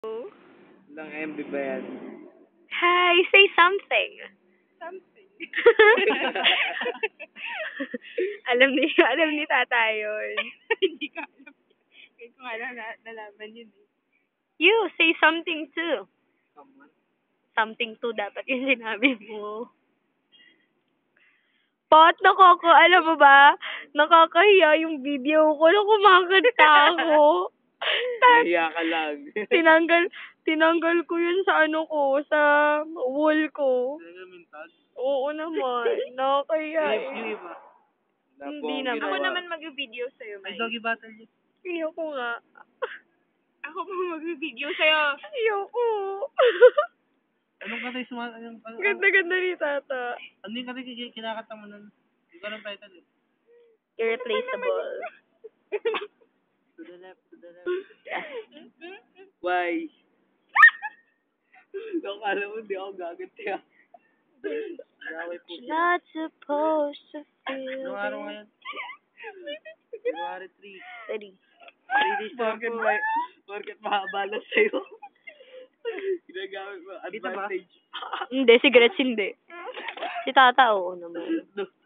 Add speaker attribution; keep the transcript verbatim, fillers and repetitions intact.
Speaker 1: Ilang M B ba yan?
Speaker 2: Hi, say something.
Speaker 3: Something.
Speaker 2: alam ni alam ni tata yun.
Speaker 3: Hindi ka alam. Kaya ko nga nala- nalaman yun eh.
Speaker 2: You, say something too.
Speaker 1: Someone?
Speaker 2: Something too dapat yung sinabi mo. Pot, nakaka, alam mo ba, nakakahiya yung video ko na kumakanta ako. Tas,
Speaker 1: Nahiya ka lang.
Speaker 2: tinanggal, tinanggal ko yun sa ano ko, sa wall ko.
Speaker 1: Talaga mintag?
Speaker 2: Oo naman, nakakahiya
Speaker 1: Yung, yung
Speaker 2: eh.
Speaker 1: iba.
Speaker 2: Hindi naman.
Speaker 3: Ako naman mag-video sa'yo,
Speaker 1: Ay,
Speaker 3: May.
Speaker 1: doggy battle yun.
Speaker 2: Ayoko nga.
Speaker 3: Ako pa mag-video sa'yo.
Speaker 2: Ayoko.
Speaker 1: Anong kanta yung suma... Anong, ano,
Speaker 2: Ganda-ganda ni tata.
Speaker 1: ano yung kanta yung kinakanta mo nun? Hindi ko alam title eh.
Speaker 2: Irreplaceable.
Speaker 1: To the left, to the left. Why? Nung alam mo, hindi ako gaganti ah. Gaway po siya.
Speaker 2: Not supposed to feel
Speaker 1: Anong araw ngayon? February three.
Speaker 2: Steady.
Speaker 1: Three days na po. Porket mahaba lang sa'yo. Ginagamit mo. Advantage.
Speaker 2: Hindi, si Gretch hindi. Si tata, oo naman.